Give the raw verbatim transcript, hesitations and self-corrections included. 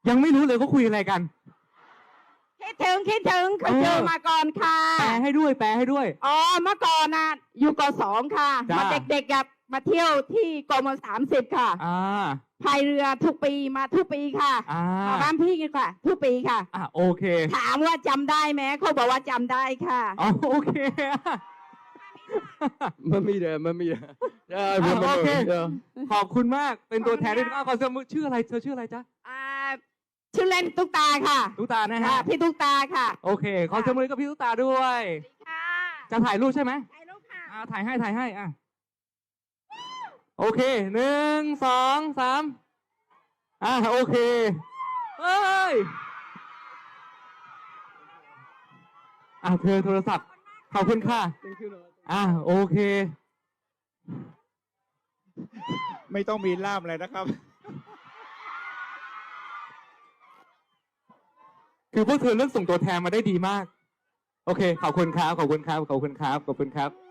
ยังไม่รู้เลยเขาคุยอะไรกันคิดถึงคิดถึงเคยเจอมาก่อนค่ะแปลให้ด้วยแปลให้ด้วยอ๋อเมื่อก่อนน่ะอยู่กสองค่ะจ้ามาเด็กๆกับมาเที่ยวที่กมสามสิบค่ะอ่าพายเรือทุกปีมาทุกปีค่ะอ่ามาบ้านพี่กันค่ะ ทุกปีค่ะอ่าโอเคถามว่าจำได้ไหมเขาบอกว่าจำได้ค่ะอ๋อโอเคมันมีเด้อมันมีเด้อเอออ่ะมันโอเคเด้อขอบคุณมากเป็นตัวแทนด้วยขอบคุณค่ะอ่ะขอเสยงมือชื่ออะไรเธอชื่ออะไรจ๊ะอ่าชื่อเล่นตุ๊กตาค่ะตุ๊กตานะค่ะฮะพี่ตุ๊กตาค่ะโอเค ขอเสยงมือกับพี่ตุ๊กตาด้วยค่ะจะถ่ายรูปใช่ไหมถ่ายรูปค่ะอ่าถ่ายให้ถ่ายให้อ่ะโอเคหนึ่งสองสามอ่าโอเคเฮ้ยอ่ะเธอโทรศัพท์ขอบคุณค่ะอ่ะโอเคไม่ต้องมีล่ามอะไรนะครับคือพวกเธอเลือกส่งตัวแทนมาได้ดีมาก โอเค ขอบคุณครับ ขอบคุณครับ ขอบคุณครับ ขอบคุณครับ